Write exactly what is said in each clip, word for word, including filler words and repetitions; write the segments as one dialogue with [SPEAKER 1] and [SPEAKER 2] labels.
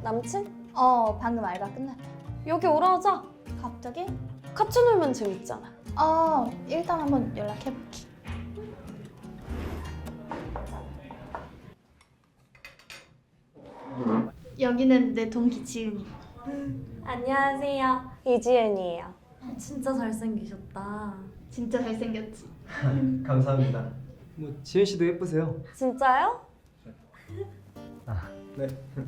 [SPEAKER 1] 남친?
[SPEAKER 2] 어, 방금 알바 끝났다.
[SPEAKER 1] 여기 오라 하자.
[SPEAKER 2] 갑자기?
[SPEAKER 1] 같이 놀면 재밌잖아.
[SPEAKER 2] 어, 일단 한번 연락해볼게. 여기는 내 동기 지은이.
[SPEAKER 1] 안녕하세요. 이지은이에요. 진짜 잘생기셨다.
[SPEAKER 2] 진짜 잘생겼지?
[SPEAKER 3] 감사합니다. 뭐 지은 씨도 예쁘세요.
[SPEAKER 1] 진짜요?
[SPEAKER 3] 아, 네.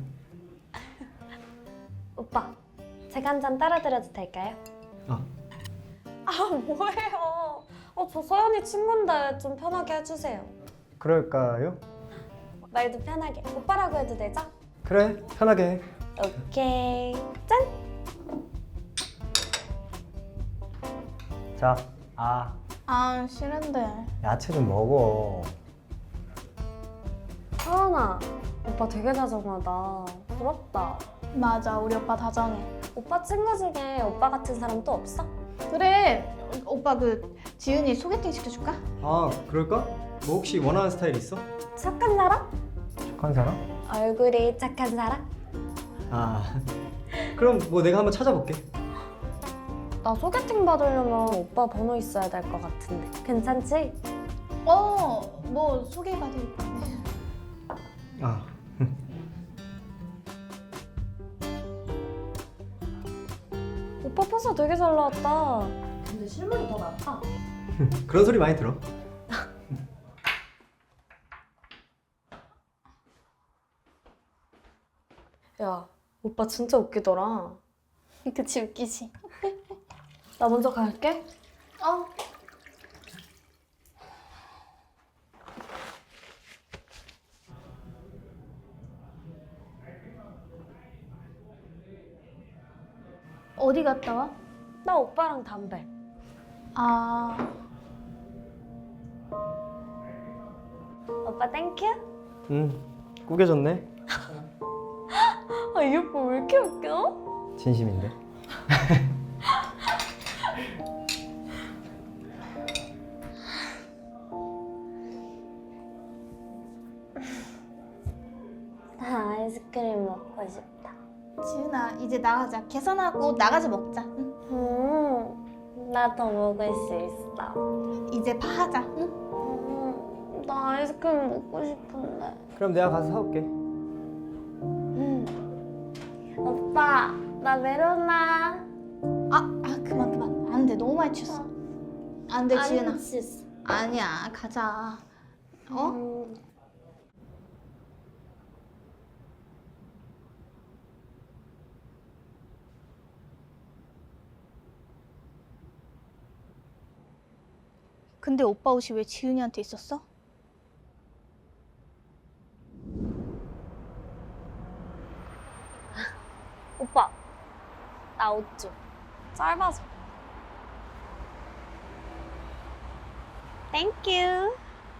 [SPEAKER 1] 오빠, 제가 한 잔 따라드려도 될까요?
[SPEAKER 3] 아,
[SPEAKER 1] 아, 뭐예요? 어, 저 서연이 친구인데 좀 편하게 해주세요.
[SPEAKER 3] 그럴까요?
[SPEAKER 1] 말도 편하게. 오빠라고 해도 되죠?
[SPEAKER 3] 그래, 편하게 해.
[SPEAKER 1] 오케이. 짠!
[SPEAKER 3] 자, 아,
[SPEAKER 2] 아, 싫은데.
[SPEAKER 3] 야채 좀 먹어.
[SPEAKER 1] 서연아, 오빠 되게 다정하다. 부럽다.
[SPEAKER 2] 맞아, 우리 오빠 다정해.
[SPEAKER 1] 오빠 친구 중에 오빠 같은 사람 또 없어?
[SPEAKER 2] 그래, 오빠 그 지은이 소개팅 시켜줄까?
[SPEAKER 3] 아, 그럴까? 뭐 혹시 원하는 스타일 있어?
[SPEAKER 1] 착한 사람?
[SPEAKER 3] 착한 사람?
[SPEAKER 1] 얼굴이 착한 사람?
[SPEAKER 3] 아, 그럼 뭐 내가 한번 찾아볼게.
[SPEAKER 1] 나 소개팅 받으려면 오빠 번호 있어야 될 것 같은데. 괜찮지?
[SPEAKER 2] 어, 뭐 소개해봐드릴까?
[SPEAKER 3] 아,
[SPEAKER 1] 오빠 포스 되게 잘 나왔다. 근데 실물이 더 낫다.
[SPEAKER 3] 그런 소리 많이 들어.
[SPEAKER 1] 야, 오빠 진짜 웃기더라.
[SPEAKER 2] 그치, 웃기지?
[SPEAKER 1] 나 먼저 갈게.
[SPEAKER 2] 어. 어디 갔다 와?
[SPEAKER 1] 나 오빠랑 담배.
[SPEAKER 2] 아,
[SPEAKER 1] 오빠 땡큐?
[SPEAKER 3] 응, 꾸겨졌네.
[SPEAKER 1] 아, 이 오빠 왜 이렇게 웃겨?
[SPEAKER 3] 진심인데.
[SPEAKER 1] 나 아이스크림 먹고 싶다.
[SPEAKER 2] 지은아, 이제 나가자. 계산하고 나가자 먹자. 응?
[SPEAKER 1] 음, 나 더 먹을 수 있어.
[SPEAKER 2] 이제 파하자. 응?
[SPEAKER 1] 음, 나 아이스크림 먹고 싶은데.
[SPEAKER 3] 그럼 내가 가서 사올게.
[SPEAKER 1] 음. 오빠, 나 메로나.
[SPEAKER 2] 아, 아 그만 그만. 안 돼, 너무 많이 취했어. 안 돼, 지은아.
[SPEAKER 1] 치스.
[SPEAKER 2] 아니야, 가자. 어?
[SPEAKER 1] 음.
[SPEAKER 2] 근데 오빠 옷이 왜 지은이한테 있었어?
[SPEAKER 1] 오빠, 나 옷 좀. 짧아서. 땡큐.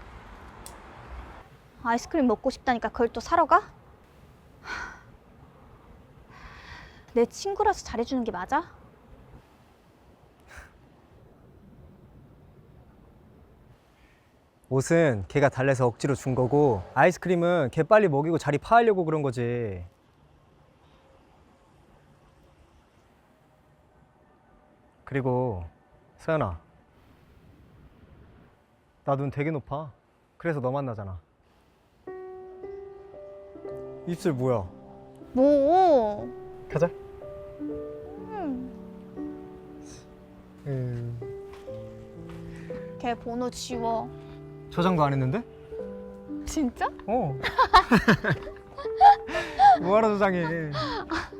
[SPEAKER 2] 아이스크림 먹고 싶다니까 그걸 또 사러 가? 하, 내 친구라서 잘해주는 게 맞아?
[SPEAKER 3] 옷은 걔가 달래서 억지로 준 거고 아이스크림은 걔 빨리 먹이고 자리 파하려고 그런 거지. 그리고 서연아, 나 눈 되게 높아. 그래서 너 만나잖아. 입술 뭐야?
[SPEAKER 2] 뭐?
[SPEAKER 3] 가자.
[SPEAKER 2] 음,
[SPEAKER 3] 음,
[SPEAKER 2] 걔 번호 지워.
[SPEAKER 3] 저장도 안 했는데?
[SPEAKER 2] 진짜?
[SPEAKER 3] 어. 뭐하러 저장해?